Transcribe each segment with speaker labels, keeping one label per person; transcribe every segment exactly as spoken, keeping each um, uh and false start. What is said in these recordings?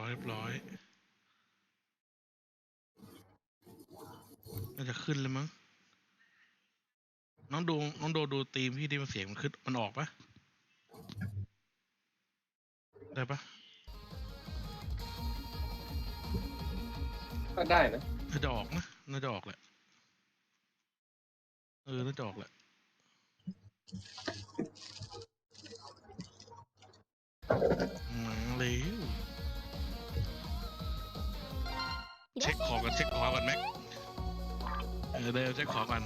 Speaker 1: ร้อยเรียบร้อยน่าจะขึ้นเลยมั้งน้องดูน้องโดดูตีมพี่ที่มันเสียงมันขึ้นมันออกปะได้ปะ
Speaker 2: ก็ได้นะ
Speaker 1: น่าจะออกนะน่าจะออกแหละเออน่าจะออกแหละมาเลยเช็คของกันเช็คของกันแม็กเออเดี๋ยวเช็คของกัน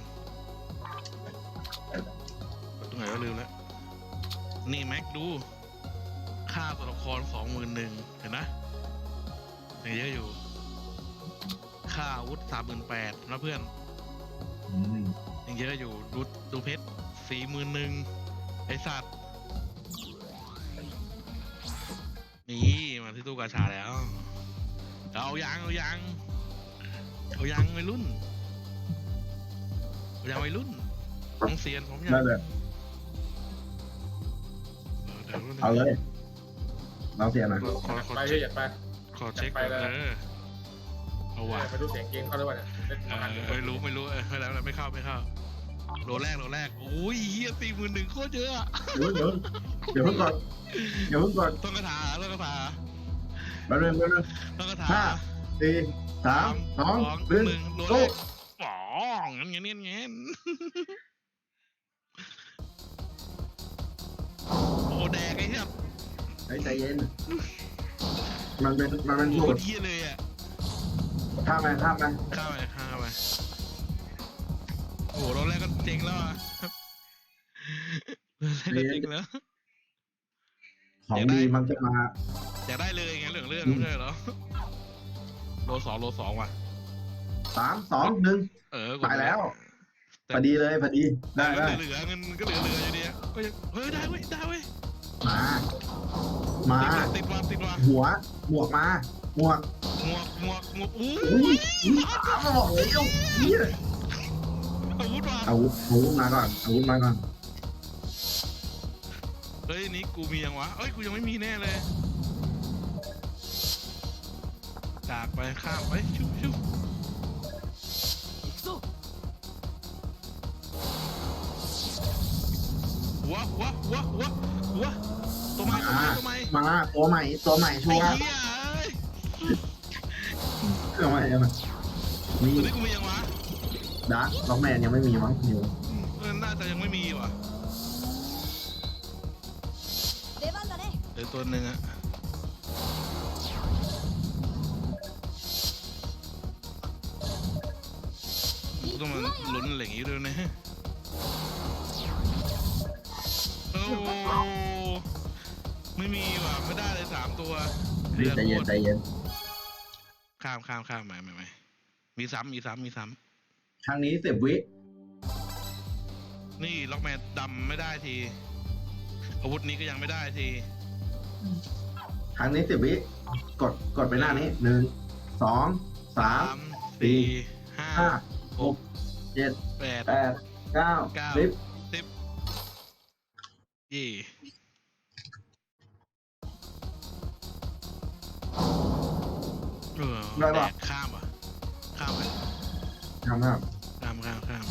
Speaker 1: ตรงไหนก็ลืมแล้วนี่แม็กดูค่าตัวละครสองหมื่นหนึ่งเห็นนะยังเยอะอยู่ค่าอาวุธสามหมื่นแปดนะเพื่อนยังเยอะอยู่ดูดูเพชรสี่หมื่นหนึ่งไอสัตว์นี่มาที่ตู้กาชาแล้วเอายังเอายังเอายังวัยรุ่นเอายังวัยรุ่นต้องเซียนผมยัง
Speaker 3: ได้เลยเอาเลยเราเสียหน่อย
Speaker 1: ขอขอ
Speaker 2: ไป
Speaker 1: เช็ค
Speaker 2: อยากไป
Speaker 1: ขอเช็คก่อนเออเอาว่ะ
Speaker 2: ไปดูเสียงเกมเขาด้วยวะเนี่ยเล่น
Speaker 1: เอ
Speaker 2: มาหัน
Speaker 1: อไม่รู้ไม่รู้เออไม่แล้วไม่เข้าไม่เข้าโลแรกโลแรกโอ้ยเฮียสี่หมื่นหนึ่งโคตรเยอะอะ
Speaker 3: เดี๋ยวเดี๋ยวเพิ่งก่อนเดี๋ยวเพิ่งก่อน
Speaker 1: ต้องกระถาต้องกระถา
Speaker 3: แป๊บนึงแป๊บนึง
Speaker 1: ต้องกระถา
Speaker 3: ห้าสี่สามสองหนึ่ง
Speaker 1: โลแร
Speaker 3: โอ้
Speaker 1: กป๋องงั้นงั้นงั้นงั้นโอ้แดกไอ้เหี้ย
Speaker 3: ใจเย็นมันเป็นมันเป็น
Speaker 1: โค
Speaker 3: สู
Speaker 1: ต
Speaker 3: ต
Speaker 1: ร
Speaker 3: ร
Speaker 1: เหี้ยเลยอ่ะ
Speaker 3: ข้ามไปข้ามไป
Speaker 1: ข้าวไปข้าวไปโอ้โลแรกก็เจ๋งแล้วอ่ะโลแรกก็เจ๋งแล้ว
Speaker 3: ของดีมันจะมา
Speaker 1: อยากได้เลยไงเรื่องเรื่องไม่ใช่เหรอโลสองโลสองว่ะ
Speaker 3: สามสองหนึ่ง
Speaker 1: เออ
Speaker 3: ตายแล้วพอดีเลยพอดีได้
Speaker 1: ก็
Speaker 3: ได้
Speaker 1: เหลือเงินก็เหลือเหลืออยู่ดีก็ยังเฮ้ยได้เว้ยได้เว้ย
Speaker 3: มามา
Speaker 1: ติดว่ะติดว่ะ
Speaker 3: หัวหมวกมาหมวก
Speaker 1: หมวกหมวกหมวกอู้
Speaker 3: อุ้ยอ้าวบอกเลยเอาเนี่ย
Speaker 1: อาวุธว่ะ
Speaker 3: อาวุธอาวุธมาก่อนอาวุธมาก่อน
Speaker 1: เฮ้ยนี่กูมียังวะเอ้ยกูยังไม่มีแน่เลยจากไปข้ามไปชุบชุบหัวหัวหัวหัวหัวตัวใหม่ตัวใหม่ตัวใหม่
Speaker 3: มาตัวใหม่ตัวใหม่ชั
Speaker 1: ไอ้
Speaker 3: วร์
Speaker 1: เหี้ยเอ้ย
Speaker 3: ตัวใหม่ตัวใหม่นี่
Speaker 1: ตัวนี้กูมียังวะ
Speaker 3: ดาร์กล็อกแมนยังไม่มีมั้งอยู่
Speaker 1: เออน่าจะยังไม่มีว่ะ
Speaker 4: 出番だね
Speaker 1: เดี๋ยวตัวหนึ่งอะกูต้องมาลุ้นอะไรอย่างงี้ด้วยนะโอ้ไม่มีว่ะไม่ได้เลยสามตัว
Speaker 3: ใจเย็นใจเย็น
Speaker 1: ข้ามข้ามข้ามใหม่ใหม่ใหม่มีซ้ำมีซ้ำมีซ้
Speaker 3: ครั้งนี้สิบวิ
Speaker 1: ำนี่ล็อกแมนดำไม่ได้ทีอาวุธนี้ก็ยังไม่ได้ที
Speaker 3: ครั้งนี้สิบวิกดกดไปหน้านี้หนึ่งสองสาม
Speaker 1: สี่ห้า
Speaker 3: ห้า
Speaker 1: หก
Speaker 3: เจ็ด
Speaker 1: แปด
Speaker 3: แปดเก้า
Speaker 1: เก้า
Speaker 3: สิบ
Speaker 1: สิบยี่เออแดกข้ามอ่ะข้ามไป
Speaker 3: ทำครับ
Speaker 1: ข้ามข้ามข้าม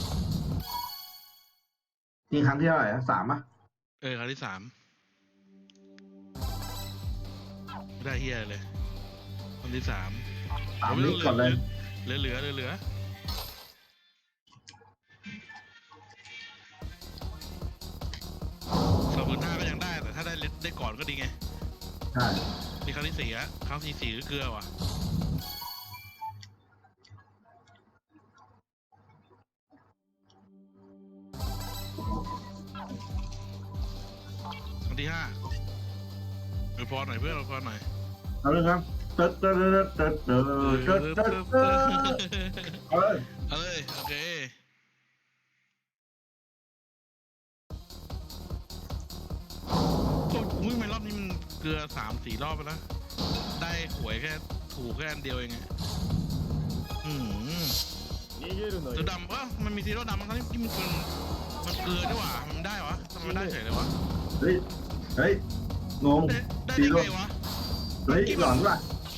Speaker 3: นี่ครั้งที่เท่าไหร่นะสามอ่ะ
Speaker 1: เออครั้งที่สามไม่ได้เฮียเลยครั้งที่สาม
Speaker 3: สามนี้ก่อนเลย
Speaker 1: เหลือเหลือเหลือเหลือสองหมื่นห้าก็ยังได้แต่ถ้าได้ได้ก่อนก็ดีไง
Speaker 3: ใช่
Speaker 1: นี่ครั้งที่สี่อะครั้งที่สี่ก็เกลือว่ะครั้งที่ห้าอวยพรหน่อยเพื่อนอวยพรหน่อย
Speaker 3: เอาเลยครับเติร์ดเติร์ดเติร์ดเติร์ดเติร์ดเติร์ดเติร์ดเอาเลย
Speaker 1: เอาเลยโอเคโอ้ยไม่รอบนี้มันเกลือสามสี่รอบไปแล้วได้หวยแค่ถูกแค่อันเดียวเองไงอืมตัวดำวะมันมีซีโร่ดำทั้งที่มันเป็นมันเกลือด้วยวะมันได้วะทำไมมันได้เฉยเลยวะ
Speaker 3: เฮ้ยเฮ้ยงง
Speaker 1: ได้ได้
Speaker 3: ซี
Speaker 1: ได้
Speaker 3: โร่
Speaker 1: ไงวะ
Speaker 3: เฮ้ยหลอนว่ะ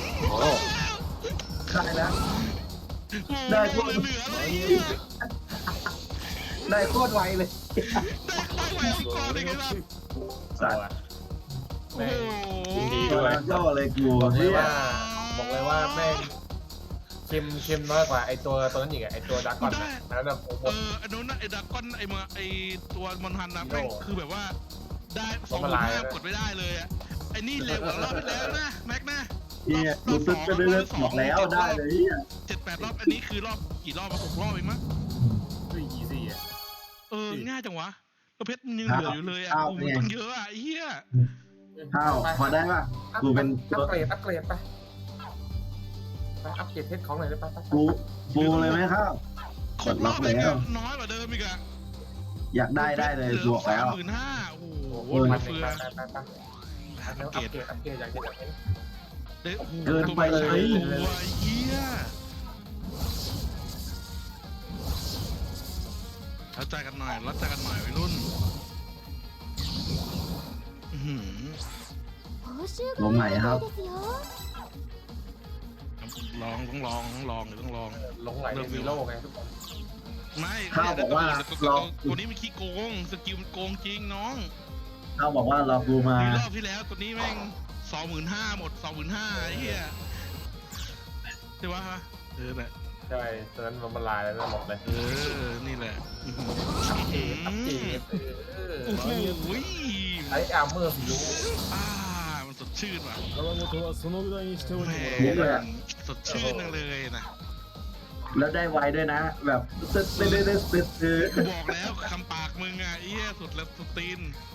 Speaker 4: โอ้
Speaker 3: ได้แล้ว
Speaker 1: ได้
Speaker 3: ได้
Speaker 1: พ
Speaker 3: พ
Speaker 1: ว
Speaker 3: ว
Speaker 1: ก
Speaker 3: ก
Speaker 1: เหลือๆเลย
Speaker 3: ได้โคตรไวเลย
Speaker 1: ได้เข้าไปก่อนเลยครับ
Speaker 3: สัตว์
Speaker 1: โอ้โห
Speaker 4: ยินดีด้วย
Speaker 3: ย่อเลยกู
Speaker 5: บอกเลย
Speaker 3: เฮีย
Speaker 5: ว่าบอกเลยว่าแม่งเค็มเค็มน้อยกว่าไอตัวตัวนั้นอีกอะไอตัวดักก่อนนะแล้วแบบโอ้โห
Speaker 1: เออไอ้นู้นนะไอ้ดรากอนไอ้เมือไอ้ตัวมอนฮันนะ
Speaker 5: ฮีโร่
Speaker 1: แม่งคือแบบว่าได้ส
Speaker 5: ล้
Speaker 1: อง
Speaker 5: ม
Speaker 1: ห
Speaker 5: ละ
Speaker 1: มื่น
Speaker 5: ลาย
Speaker 1: ห้า
Speaker 5: เลย
Speaker 1: กดไม่ได้เลยอ่ะไอ้นี่เร็วกว่ารอบที่แล้วนะแม็กนะ
Speaker 3: เฮียรู้สึกจะได้เลิกบอกแล้วได้เลยเฮีย
Speaker 1: เจ็ดแปดรอบอันนี้คือรอบกี่รอบมาหกรอบเองมั้ง
Speaker 5: เฮ้ยอีซี่อ่ะ
Speaker 1: เออง่ายจังวะก็เพชรมันยังเหลืออยู่เลยอ่ะโอ้โหตั้งเยอะอ่ะไอ้เหี้ย
Speaker 3: ข้าวพอได้ป่ะกูเป็น
Speaker 5: อั
Speaker 3: ตัว
Speaker 5: ปเกรดอัปเกรดไปไปอัปเกรดเพชรของหน่อยได้ปะไป
Speaker 3: กูฟูเลยไหมข้าว
Speaker 1: ครบรอบเลยอะน้อยกว่าเดิมอีกอะ
Speaker 3: อยากได้ได้เลยบวกแล้ว
Speaker 1: หมื่นห้าโอ้โห
Speaker 3: เออ
Speaker 5: ไป
Speaker 1: เฟือ
Speaker 5: ไปไปไปแล้วอัปเกรดอัปเกรดอย่างเดียว
Speaker 1: เด้โอ้โห
Speaker 3: เกินไปเลย
Speaker 1: ตัวไอ้เหี้ยรับใจกันหน่อยรับใจกันหน่อยวัยรุ่นอื้อหือ
Speaker 3: ลงใหม่ครับ
Speaker 1: ลองต้องลองต้องลองเดี๋ยวต้องลอง
Speaker 5: ลงไหลในวีโร่ไงทุกคน
Speaker 1: ไม่
Speaker 3: ข้าวบอกว่า
Speaker 1: ตัว
Speaker 3: ลอง
Speaker 1: ตัวนี้มันขี้โกงสกิลมันโกงจริงน้อง
Speaker 3: ข้าวบอกว่ารอกูมา
Speaker 1: มีรอบที่แล้วตัวนี้แม่งสองหมื่นห้าหมดสองหมื่นห้าไอ้เหี้ยใช่ปะเออแหละ
Speaker 5: ใช่ตอนนั้นมันละลายแล้วหมดเลย
Speaker 1: เออนี่แหละอื้อหือ
Speaker 5: อัปเกรดอัปเกรดเออ
Speaker 1: โอ้โห
Speaker 5: ไออาร์เมอร์สีรู้
Speaker 1: อ่ามันสดชื่นว่ะ
Speaker 6: 川本はそのぐらいにしておい
Speaker 1: แห
Speaker 6: て
Speaker 1: ม
Speaker 6: もらおう
Speaker 3: เลยอะ
Speaker 1: สดชื่นจังเลยนะ
Speaker 3: แล้วได้ไวด้วยนะ แบบตึ๊ดตึ๊ดตึ๊ดตึ๊ดตึ๊ดตึ๊ด
Speaker 1: กูบอกแล้วคำปากมึงอ่ะไอ้เหี้ยสุดแล้วสุดตีน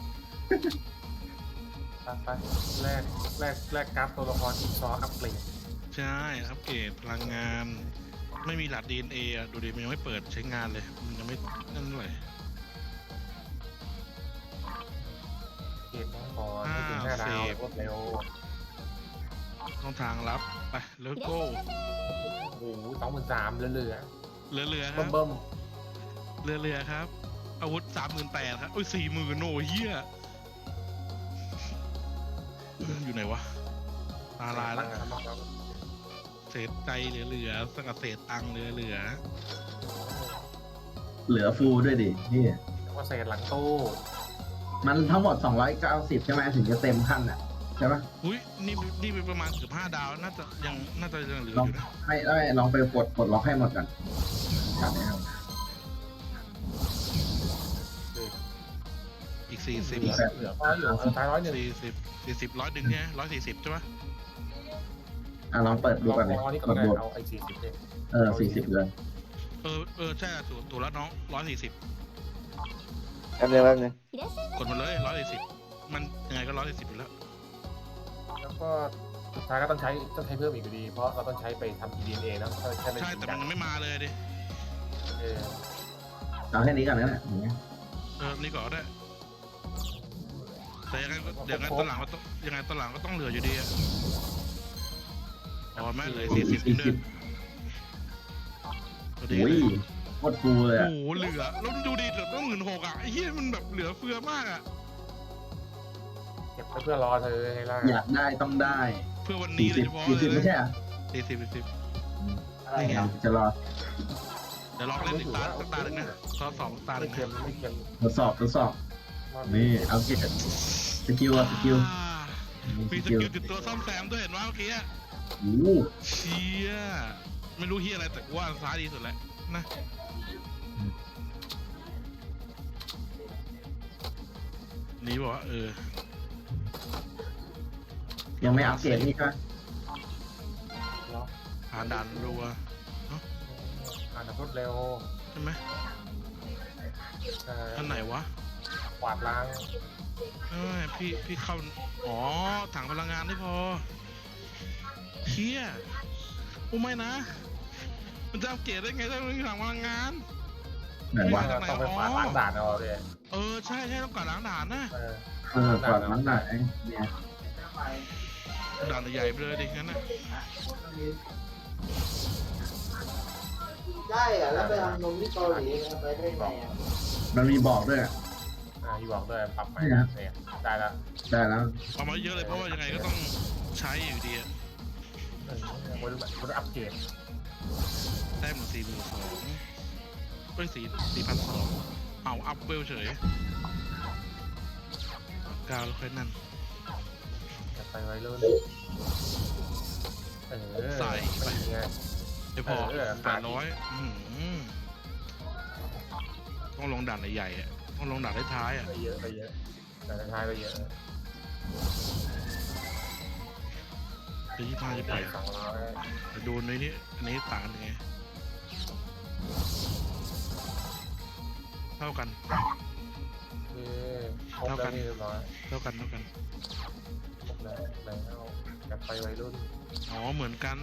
Speaker 5: ไปไปแรกแรกแรกกราฟตัวละครอีกซออัปเกรด
Speaker 1: ใช่อัปเกรดพลังงาน ไม่มีหลัก ดี เอ็น เอ อ่ะดูดิมันยังไม่เปิดใช้งานเลยมันยังไม่นั่นเลย
Speaker 5: เกมน้องก่อนไม่ถึงห้าดาวรวดเร็ว
Speaker 1: ต้องทางรับไปแล้วโก้
Speaker 5: โอ้โหสองหมื่นสามเหลือ
Speaker 1: เรือเรือ
Speaker 5: ๆ
Speaker 1: ครั
Speaker 5: เบิ่
Speaker 1: บ
Speaker 5: ม
Speaker 1: เรือเรือครับ อาวุธสามหมื่นแปดครับโอ้ยสี่หมื่นโอ้ยเหี้ยอยู่ไหนวะตา
Speaker 5: ๆ
Speaker 1: ลายแล้ว
Speaker 5: ตั้งนะครับ
Speaker 1: เศษใจเหลือเหลือสกัดเศษตังค์เหลือเหลือ
Speaker 3: เหลือฟูด้วยดินี่
Speaker 5: ว่าเศษหลังตู้
Speaker 3: มันทั้งหมดสองร้อยเก้าสิบใช่ไหมถึงจะเต็มขั้นอ่ะใช่ปะ
Speaker 1: อุ้ยนี่นี่เป็นประมาณเกือบห้าดาวน่าจะยังน่าจะยังเหลือ
Speaker 3: ลอง
Speaker 1: อยู่นะ
Speaker 3: ให้ได้ลองไปกดกดล็อกให้หมดก่อนครับนะครับ
Speaker 1: อีกสี่สิบ
Speaker 5: เหลือเหลือพออยู่สุดท้ายร้อยหนึ่ง
Speaker 1: สี่สิบสี่สิบร้อยดึงเนี่ยร้อยสี่สิบใช่ปะ
Speaker 3: อ่ะลองเปิดดู
Speaker 5: ลอง
Speaker 3: ก่อนเลย
Speaker 5: พอนี่ก็
Speaker 3: กด
Speaker 5: ได้
Speaker 3: บวก
Speaker 5: เอาไอ้สี่สิบเนี่ย
Speaker 3: เออสี่สิบเลย
Speaker 1: เออเออใช่ถูกถูกแล้วน้องร้อยสี่สิบ
Speaker 2: แป๊บนึงแป๊บนึง
Speaker 1: กดมาเลยร้อยสี่สิบมันยังไงก็ร้อยสี่สิบอยู่แล้ว
Speaker 5: แล้วก็สุดท้ายก็ต้องใช้ต้องใช้เพิ่มอีกอยู่ดี เพราะเราต้องใช้ไปทำ ดี เอ็น เอ นะถ้าใช้เป็น
Speaker 1: ใช่
Speaker 5: จริง
Speaker 1: แต่
Speaker 5: จั
Speaker 1: มัน
Speaker 5: ง
Speaker 1: ยังไม่มาเลยดิ
Speaker 5: เออ
Speaker 3: เอาแค่นี้ก่อนนะเนี่ยอย่างเงี้ย
Speaker 1: เออนี่ก่อนก็ได้แต่ยังไงก็เดี๋ยวไงตอนหลังก็ต้องยังไงตอนหลังก็ต้องเหลืออยู่ดีอะอ๋อแม่เหลือสี่สิบ
Speaker 3: สี่
Speaker 1: เดื
Speaker 3: สิ
Speaker 1: อบ น
Speaker 3: โอ้ยโคตรฟูเลย
Speaker 1: โอ้
Speaker 3: อ่ะ
Speaker 1: โหเหลือแล้วดูดิเหลือต้องหมื่นหกอ่ะไอ้เหี้ยมันแบบเหลือเฟือมากอ่ะ
Speaker 5: เก็บไว้เพื่อรอเธอให้ล่ะ
Speaker 3: อยากได้ต้องได้
Speaker 1: เพื่อวัน
Speaker 3: สี่
Speaker 1: นี้โด
Speaker 3: สิ
Speaker 1: ย
Speaker 3: บ
Speaker 1: เฉพาะ
Speaker 3: สี่
Speaker 1: เล
Speaker 3: สิบ
Speaker 1: ย
Speaker 3: ไม่ใช่เหรอ
Speaker 1: สี่สิบสี่สิบ
Speaker 2: อะไร
Speaker 1: นี่ไง
Speaker 2: อ่ะ
Speaker 3: จะรอ
Speaker 1: เดี๋ยวลองเล่นอีกตาสักตาหนึ่งนะซอสองตาห
Speaker 5: ไม่
Speaker 1: นึ่ง
Speaker 5: เค็มไม่เค็ม
Speaker 3: ทดสอบทดสอบนี่เอาเก็บสกิลอะสกิล
Speaker 1: อ่า
Speaker 3: มี
Speaker 1: มี
Speaker 3: ส
Speaker 1: ส
Speaker 3: กิล
Speaker 1: กิลติดตัวซ่อมแซมด้วยเห็นว่าเมื่อกี้อะ
Speaker 3: โอ้โห
Speaker 1: เชี่ยไม่รู้เฮียอะไรแต่กูว่าซ้ายดีสุดแหละนะนี่บอกว่าเออ
Speaker 3: ยังไม่อัปเกรดนี่ใช่ไหม
Speaker 1: ผ่านด่านรัว
Speaker 5: อ่านรวดเร็ว
Speaker 1: ใช่ไหม
Speaker 5: เอ่อ
Speaker 1: อันไหนวะ
Speaker 5: กวาดล้าง
Speaker 1: เอ้ยพี่พี่เข้าอ๋อถังพลังงานไม่พอเฮียโอ้ไม่นะ มันจะอัปเกรดได้ไงถ้าไม่มีถังพลังงาน
Speaker 3: ไหนวะ
Speaker 5: ต้องไปกวาดล้างด่านเอาเลย
Speaker 1: เออใช่ใช่ต้องกวาดล้างด่านนะ
Speaker 5: เออ
Speaker 3: เออกว่านั้นไหนเนี่ย
Speaker 1: ด่านใหญ่ๆไปเลยดิงั้นนะ
Speaker 2: ได้อ่ะแล้วไปทำนมที่เกาหลีไปได้ไงอ่ะ
Speaker 3: มันมีบอกด้วยอะ
Speaker 5: อ่าที่บอกด้วยปรับใหม่
Speaker 3: นี่นะ
Speaker 5: เนี่ยได้แล้ว
Speaker 3: ได้แล้ว
Speaker 1: เอามาเยอะเลยเพราะว่ายังไงก็ต้องใช้อยู่ดีอะ
Speaker 5: เออคนคนอัปเกรด
Speaker 1: แต้มสี่หมื่นสองเอ้ยสี่สี่พันสองเอาอัพเวลเฉยกาวแล้วค่อยนั่น
Speaker 5: อย่าไปไว้รุ่นเออ
Speaker 1: ใส่ไป
Speaker 5: ไง
Speaker 1: ไม่พอ
Speaker 5: เออ
Speaker 1: แปดร้อยต้องลงด่านใหญ่ๆอ่ะต้องลงด่านท้ายๆอ่ะ
Speaker 5: ไปเยอะไปเยอะแต่ท้ายไปเยอะ
Speaker 1: จะยี่ห้าจะไป
Speaker 5: สองร้อย
Speaker 1: แต่ดูในนี้อันนี้ต่างกันยังไงเท่ากัน
Speaker 5: โอเคครบแล้วนี่เรียบร้อย
Speaker 1: เท่ากันเท่ากัน
Speaker 5: ครบแล้วแล้วจะไปวัยรุ่น
Speaker 1: อ๋อเหมือนกัน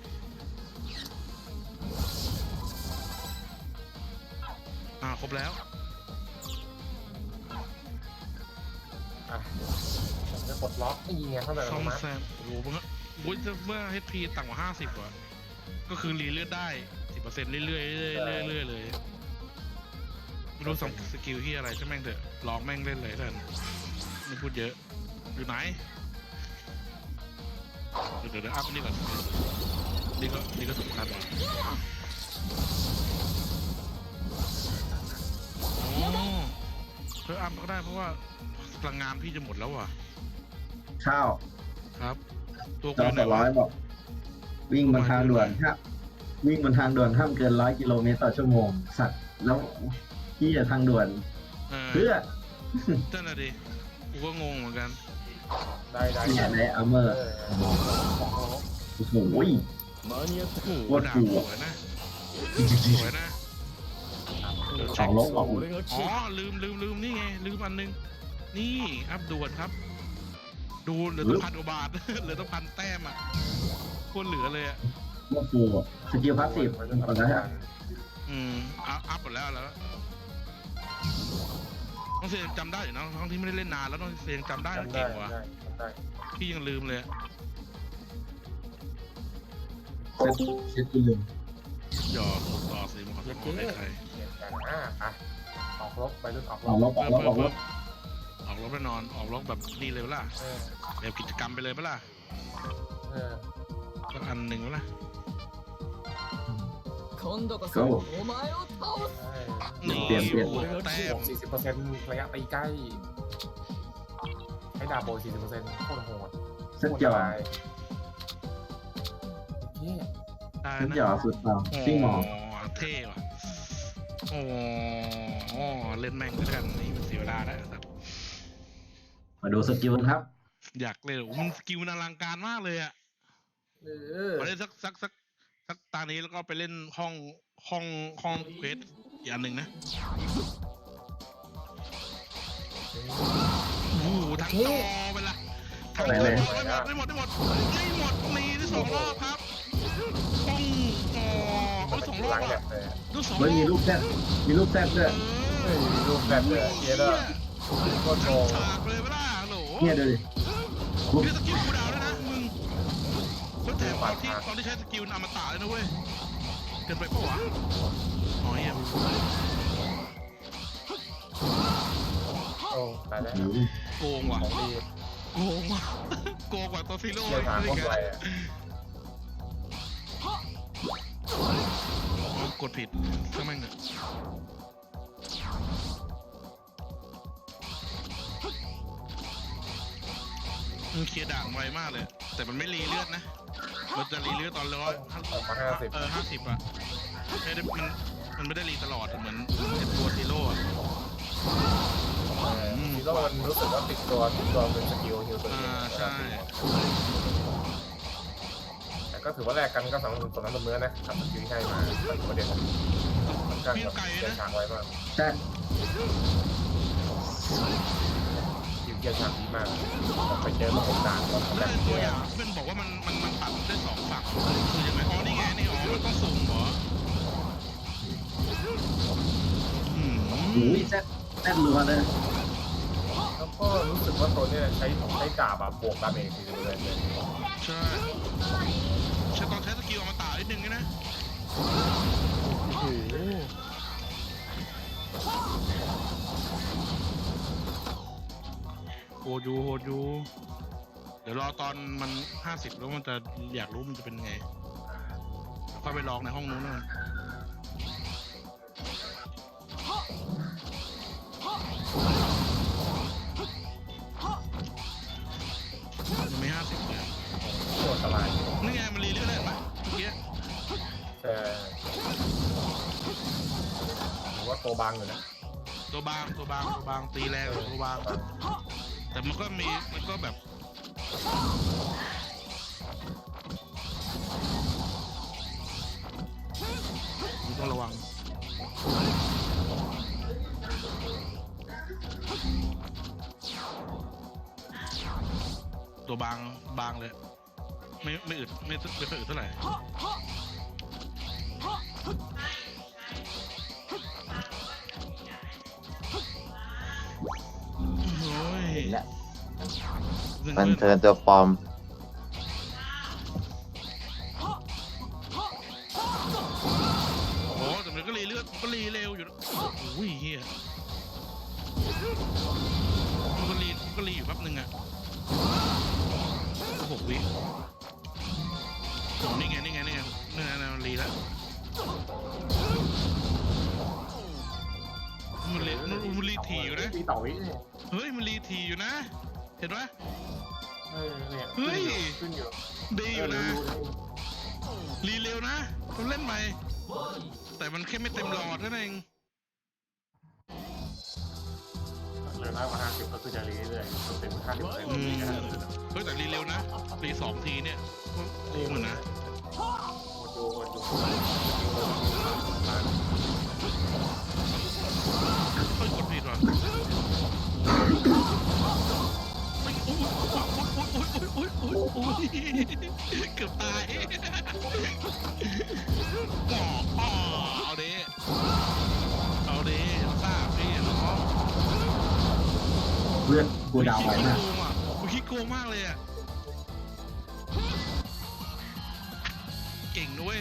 Speaker 1: อ่าครบแล้ว
Speaker 5: อ่ะจะกดล็อกไอ้ยิงไงเข้าไป
Speaker 1: ซ่อม
Speaker 5: มา
Speaker 1: แซมโอ้โหเมื่อโอ้ยเมื่อ เอช พี ต่ำกว่าห้าสิบกว่าก็คือรีเลือดได้สิบเปอร์เซ็นต์เรื่อยๆเรื่อยๆเรื่อยๆเลยไม่รู้สองสกิลที่อะไรใช่แม่งเถอะลองแม่งเล่นเลยท่านไม่พูดเยอะอยู่ไหนเดี๋ยวเดี๋ยวเดี๋ยวอัพอันนี่ก่อนนี่ก็นี่ก็สำคัญว่ะโอ้เพื่ออัพก็ได้เพราะว่าพลังงานพี่จะหมดแล้วว่ะ
Speaker 3: ข้าว
Speaker 1: ครับ ตัว
Speaker 3: จ
Speaker 1: กู
Speaker 3: อ
Speaker 1: อยู่ไห
Speaker 3: ส
Speaker 1: น
Speaker 3: องร้
Speaker 1: วะ
Speaker 3: อยบอก วิ่งบนทางด่วนครับวิ่งบนทางด่วนห้ามเกินร้อยกิโลเมตรต่อชั่วโมง สัตว์แล้วที่จะทางด่วน
Speaker 1: เออ
Speaker 3: เพื่อ
Speaker 1: นั่นน่ะดิ กูก็งงเหมือนกัน
Speaker 5: ได้ได้
Speaker 3: ที่ไหนอัมเมอ
Speaker 5: เอ
Speaker 3: ร์
Speaker 5: อ
Speaker 3: โอ้โห
Speaker 6: 間に合った
Speaker 1: โอ้ด่าสวยนะ สวยนะ
Speaker 3: สองลบบอก
Speaker 6: 俺が
Speaker 1: อ๋
Speaker 6: 来
Speaker 1: อ ลืมลืมลืมนี่ไง ลืมอันนึง นี่ อัพด่วนครับ ดูเหลือต้องพันกว่าบาท เหลือต้องพันแต้มอ่ะโคตรเหลือเลยอ่ะ
Speaker 3: ว่าฟูสกิลพาสซีฟก่อนนะฮะ
Speaker 1: อืมอัพอัพหมดแล้วแล้วน้องเซนจำได้อยู่นะทั้งที่ไม่ได้เล่นนานแล้วน้องเซนจำได้
Speaker 5: จำได้
Speaker 1: เก่งว่ะ
Speaker 5: ได้จำได้
Speaker 1: พี่ยังลืมเลยอะ
Speaker 3: เซตเซตที่หนึ่ง
Speaker 1: หยอดต่อสีมันขอโทษให้ใคร
Speaker 5: เปลี่ยนกันอ่ะอ่ะออกลบไปรุ่นออกล
Speaker 3: ออก
Speaker 5: บ
Speaker 3: ลบออกลบออกลบ
Speaker 1: ออกรบแน่นอน ออกรบแบบนี่เลยเปะล่ะ
Speaker 5: เออ
Speaker 1: แบบกิจกรรมไปเลยเปะล่ะ
Speaker 5: เออ
Speaker 1: สักอันหนึ่งเปะล่ะ
Speaker 7: 今度こそお前を倒す
Speaker 5: ใช่
Speaker 1: นี่
Speaker 3: เปลี่ยนเปลี่ยน
Speaker 1: โอ้โหแต้
Speaker 5: บ
Speaker 1: ม
Speaker 5: วกสี่สิบเปอร์เซ็นต์ระยะตีใกล้ให้ดาบโบสี่สิบเปอร์เซ็นต์โคตรโหด
Speaker 3: เซตหยอด
Speaker 5: เยี่ย
Speaker 1: ได้
Speaker 3: เซต
Speaker 1: นะ
Speaker 3: หยอดสุดต่อซิ่งหมอ
Speaker 1: เท่ว่ะโอ้โหเล่นแม่งแล้วกันนี่มันเสียเวลาแล้ว
Speaker 3: มาดูสกิลกันครับ
Speaker 1: อยากเล่นโอ้โหมันสกิลมันอลังการมากเลยอะ
Speaker 5: เออ
Speaker 1: มาเล่นสักสักสักสักตานี้แล้วก็ไปเล่นห้องห้องห้องเควสอีกอันหนึ่งนะโอ้โหทั้งจอไปละทั้งจอไม่หมดไม่หมดไม่หมดไม่หมดมีได้สองรอบครับห้องอ๋อเอาสองรอบ
Speaker 5: ล้างแบ
Speaker 1: อ่ะ
Speaker 5: บเลย
Speaker 1: ดูสองร
Speaker 3: เฮ้ย
Speaker 1: อบ
Speaker 3: มีลูกแซดมีลูกแซดด้วย
Speaker 5: เฮ้ยรูปแบบเลยเยอะเลยโคตรโกง
Speaker 1: ฉากเลยเปล่าโหล
Speaker 3: เนี่ยดูดิ
Speaker 1: มีสกิลคูลดาวน์ด้วยนะมึงแล้วแถมตอนที่ตอนที่ใช้สกิลอมตะเลยนะเว้ยเกินไปปะวะอ๋อเหี้ย
Speaker 5: โอ้ตายแล้ว
Speaker 3: โอ้โห
Speaker 1: โกงว่ะ
Speaker 5: ของดี
Speaker 1: โกงว่ะโกงกว่าตัวซีโร่
Speaker 5: เชี่ยวชาญโคตรไวอะ
Speaker 1: กดผิดช่างแม่งเนี่ยมันเคลียร์ด่างไวมากเลย แต่มันไม่รีเลือดนะ มันจะรีเลือดตอนร้อย
Speaker 5: ออกมาห้าสิบ
Speaker 1: เออห้าสิบอะไม่ได้มันมันไม่ได้รีตลอดเหมือนไอ้ตัวซีโร่อะ
Speaker 5: ซีโร่มันรู้สึกว่าติดตัวติดตัวเป็นสกิลฮิลตัวเอ
Speaker 1: อ่าง ใช่
Speaker 5: แต่ก็ถือว่าแลกกันก็สำหรับตัวนั้นตัวเนื้อนะทำสกิลที่ให้มาแต่ประเด็นมันกัน
Speaker 1: วิ่ง
Speaker 5: กับ
Speaker 1: ไกล
Speaker 5: เกีย
Speaker 1: นะ
Speaker 5: ร์ช้างไว้มาก
Speaker 3: แต่
Speaker 5: คิวเกียร์ช้างดีมากไปเจอมาหกด่านก็
Speaker 1: แล้
Speaker 5: แบ
Speaker 1: ว
Speaker 5: บ
Speaker 1: ไอ้ตัว
Speaker 5: เกีย
Speaker 1: อย่าง
Speaker 5: ร์
Speaker 1: ที่เป็นบอกว่ามันมันมันปรับได้สองฝั่งคือยังไงอ๋อนี่ไงนี่อ๋อมันต้องสุ่มเหรออืม
Speaker 3: อุ้ยแซ่บแซ่บรัวเลย
Speaker 5: แล้วก็รู้สึกว่าตัวเนี้ยใช้ใช้ดาบอะบวกดาเมจสี่สิบเปอร์เซ็นต์เลย
Speaker 1: ใช่ใช้ตอนใช้สกิลอมตะนิดนึงนะโอ้โหโหดอยู่โหดอยู่เดี๋ยวรอตอนมันห้าสิบแล้วมันจะอยากรู้มันจะเป็นไงค่อยไปลองในห้องนู้นนะยังไม่ห้าสิบเลย
Speaker 5: โคตรสบาย
Speaker 1: นี่ไงมันรีเลือดได้ไหมเมื่อกี้
Speaker 5: แต่ถือว่าตัวบางอยู่นะ
Speaker 1: ตัวบางตัวบางตัวบางตีแรงตัวบางแต่มันก็มีมันก็แบบมันต้องระวังตัวบางบางเลยไม่ไม่อึดไม่ไม่ค่อยอึดเท่าไหร่โอ้ย
Speaker 8: เห็นแล้ว
Speaker 1: ซึ่ง
Speaker 8: มัน
Speaker 1: เพื่
Speaker 8: เทิ
Speaker 1: อน
Speaker 8: ร์นตัวปลอม
Speaker 1: โอ้แต่มันก็รีเลือดมันก็รีเร็วอยู่นะโอ้ยเฮียมันก็รีมันก็รีอยู่แป๊บนึงอ่ะหกวิโอ้นี่ไงนี่ไงนี่ไงนี่ไงมันรีแล้วมันรีมันรีทีอยู่นะ
Speaker 5: ปีต่อวิเนี่ย
Speaker 1: เฮ้ยมันรีทีอยู่นะ เห็นไหม
Speaker 5: เออเนี่ย
Speaker 1: เฮ้ย
Speaker 5: ขึ้นอยู่
Speaker 1: ดีอยู่นะ รีเร็วนะต้องเล่นใหม่ แต่มันแค่ไม่เต็มหลอดเท่านั้นเอง
Speaker 5: เหลือน้อยกว่าห้าสิบก็คือจะรีเรื่อยๆจนเต็มห้าสิบเปอร์เซ็นต์
Speaker 1: อืม
Speaker 5: นะฮะ
Speaker 1: เฮ้ยแต่รีเร็วนะ รีสองทีเนี่ยก็โกงเหมือนนะ
Speaker 5: โหดดูโหดดู
Speaker 1: เฮ้ยกดผิดว่ะเฮ้ยโอ้ยโอ้ยโอ้ยโอ้ยโอ้ยโอ้ยโอ้ยเกือบตายหมออ๋อเอาดิเอาดิทราบพี่น้อง
Speaker 3: เพื่อนกูดาวไว้
Speaker 1: ขี้
Speaker 3: มาก
Speaker 1: โกงอ่ะกูขี้โกงมากเลยอ่ะเก่งด้วย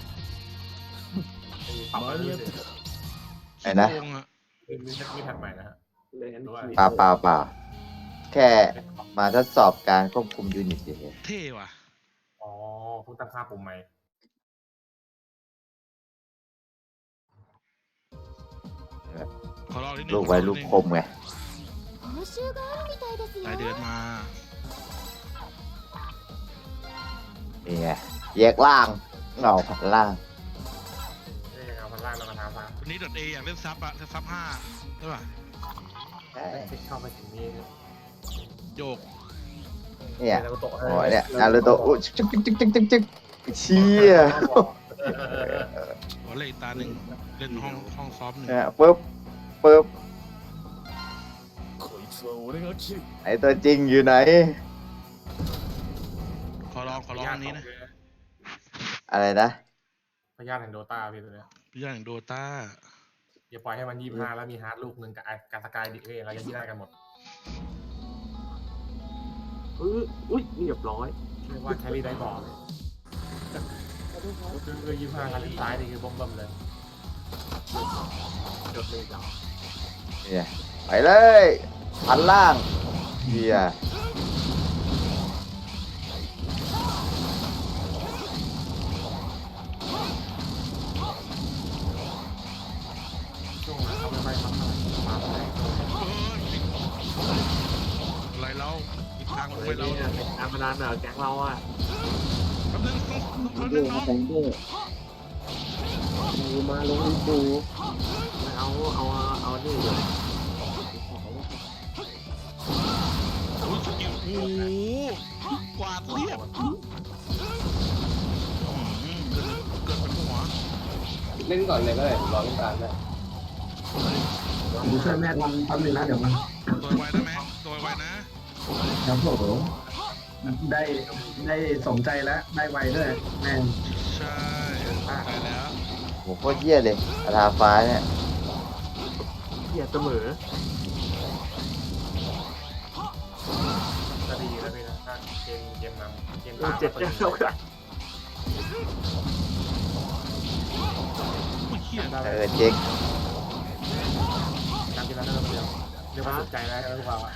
Speaker 5: ปรับมาเรื่อย
Speaker 8: ไอ้นะ
Speaker 1: ขี้โกงอ่ะ
Speaker 5: ๆมีมีแท็บใหม่นะฮะ
Speaker 2: เลย
Speaker 5: ด้วย
Speaker 8: เปล่าเปล่าเปล่าแค่มาทดสอบการควบคุมยูนิตเฉย
Speaker 1: เท่ว่ะ
Speaker 5: อ๋อเพิ่งตั้งค่าปุ่มใหม่
Speaker 1: ขอรอนิดนึ
Speaker 8: ๆ
Speaker 1: ง
Speaker 8: ลูกไว้ลูกคมไง
Speaker 7: 報酬があるみたいですよ
Speaker 1: รายเดือนมา
Speaker 8: นี่ไงแยกล่างเงาผัดล่าง
Speaker 5: นี่เอาพันล่างแล้วกันทำซะ
Speaker 1: วันนี้ดอทเออยากเล่นซับอะซับห้าใช่ป่ะ
Speaker 8: ใช่
Speaker 5: คลิกเข้าไปถึงนี่
Speaker 1: โยก
Speaker 8: เนี่ย
Speaker 5: นารูโตะ
Speaker 8: โอ้ยเนี่ยนารูโตะอุ๊ยจิ๊กจิ๊กจิ๊กจิ๊กจิ๊กจิ๊กเชี่ย
Speaker 1: ขอเล่นอีกตาหนึ่งเล่นห้องห้องซอฟต์หนึ่ง
Speaker 8: เนี่ยปึ๊บปึ๊บ
Speaker 6: こいつは俺が切る
Speaker 8: ไอตัวจริงอยู่ไหน
Speaker 1: ขอลองขอลองอันนี้นะ
Speaker 8: อะไรนะ
Speaker 5: พยาธิแห่งโดตาพี่ตัวเนี้ย
Speaker 1: พี่อย่างโดตา
Speaker 5: อย่าปล่อยให้มันยี่สิบห้าแล้วมีฮาร์ดลูกหนึ่งกับไอ้การสกายดิเอ้ยเรายังที่ได้กันหมด
Speaker 2: อุ้ยอุ้ยเรียบร้อย
Speaker 5: เรียกว่าแครี่ได้บอลคือคือยี่สิบห้าคันลิ้นซ้ายนี่คือbomb bombเลยจดเลยจ้ะ
Speaker 8: เนี่ยไปเลยพันล่างเฮีย
Speaker 1: อีกทางลง
Speaker 2: เฮ้
Speaker 1: ไป
Speaker 2: ย
Speaker 1: เรา
Speaker 2: เนี่ยเป็นการพนันเหรอแก๊งเราอ่ะ
Speaker 1: แป๊บนึงต้องต้อง
Speaker 9: เด
Speaker 1: นึ
Speaker 9: อง ร์
Speaker 1: น้
Speaker 9: มา
Speaker 1: อง
Speaker 9: แซงเดอร์มาลงอีปู
Speaker 2: ไม่เอาเอาเอานี่เลย
Speaker 1: โอ้ยสกิลโอ้โหกวาดเรียบอืมเกินเกินไปหัว
Speaker 4: เล่นก่อนเลยก็ได้ผมรอเล่นกลางได้
Speaker 3: ผมช่วยแม่ทำทำหนึ่งนะเดี๋ยวมัน
Speaker 1: ตัวไวนะแม็กตัวไวนะครับ
Speaker 3: ผมได้ได้สมใจแล้วได้ไวด้วยแม่ง
Speaker 1: ใช่ไปแล้ว
Speaker 8: โหโคตรเยี่ยเลยอาทาฟ้าเนี่ย
Speaker 2: เกียรเสมอ
Speaker 5: ก็ดีแล้วพี่นะถ้าเกมเกมนำเกม
Speaker 2: เรา
Speaker 5: ตาม
Speaker 2: เจ็ดแก้วเท่ากัน
Speaker 1: โอ้ยเหี้ย
Speaker 8: เออเจ๊ก
Speaker 5: ตามที่เราเริ่มเดียวเรียกว่าสนใจแล้วทุกเราอ่ะ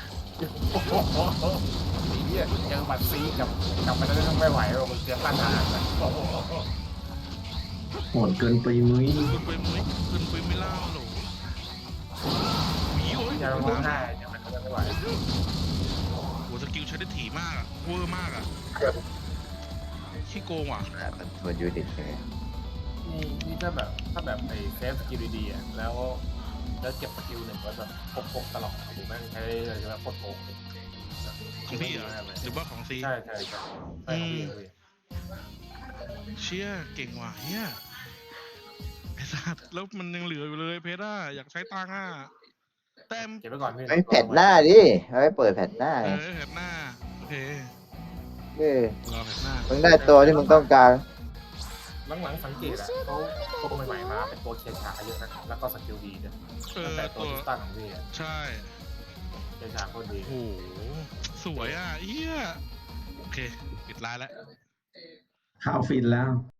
Speaker 5: ไอ้เหี้ยเจอบัตรซีกับกับมันแล้วไม่ไหวหรอกมันเกินต้านทานนะโอ้โห
Speaker 3: โหดเกินปีมุ้ย
Speaker 1: ขึ้นไปมุ้ยขึ้นไปไม่เล่าหรอกหมีโอ้ย
Speaker 5: อย่าลงห้าอย่ามันไม่ไหว
Speaker 1: โหสกิลใช้ได้ถี่มากอะเวอร์มากอะขี้โกงว่ะ
Speaker 8: อ่ะมันทวนยูนิตเลย
Speaker 5: นี่นี่ถ้าแบบถ้าแบบไอ้เซฟสกิลดีๆอ่ะแล้วแล้วเก็บสกิลหนึ่งไว้แบบครบๆตลอดโอ้โหแม่งใช้เลยใช่ไหมโคตรโกง
Speaker 1: ของพี่เหรอหรือว่าของซี
Speaker 5: ใช่ใช่ใช่ใช่ของพี่เลย
Speaker 1: เชี่ยเก่งว่ะเฮียไอ้สัตว์แล้วมันยังเหลืออยู่เลยเพชรอ่ะอยากใช้ตังค์อ่ะแต้ม
Speaker 5: เก็บไว้ก่อนพี่
Speaker 8: ไม่แผ่นหน้าดิเอาไว้เปิดแผ่นหน้า
Speaker 1: เอ
Speaker 8: ไง
Speaker 1: อแผ่นหน้าโอเค
Speaker 8: เออ
Speaker 1: รอแผ่นหน้า
Speaker 8: มึงได้ตัวที่มึงต้องการ
Speaker 5: หลังๆสังเกตอ่ะเขาตัวใหม่ๆมาเป็นตัวเคชาเยอะนะแล้วก็สกิลดีด้วย
Speaker 1: เอ
Speaker 5: ตั้ง
Speaker 1: อ
Speaker 5: แต่ตั
Speaker 1: ตัว ว
Speaker 5: ทิสตันของพี่อ่ะ
Speaker 1: ใช่
Speaker 5: เคชาโคตรดี
Speaker 1: โอ้โหสวยอ่ะเฮียโอเคปิดร้านแล้ว
Speaker 3: ข้าวฟินแล้ว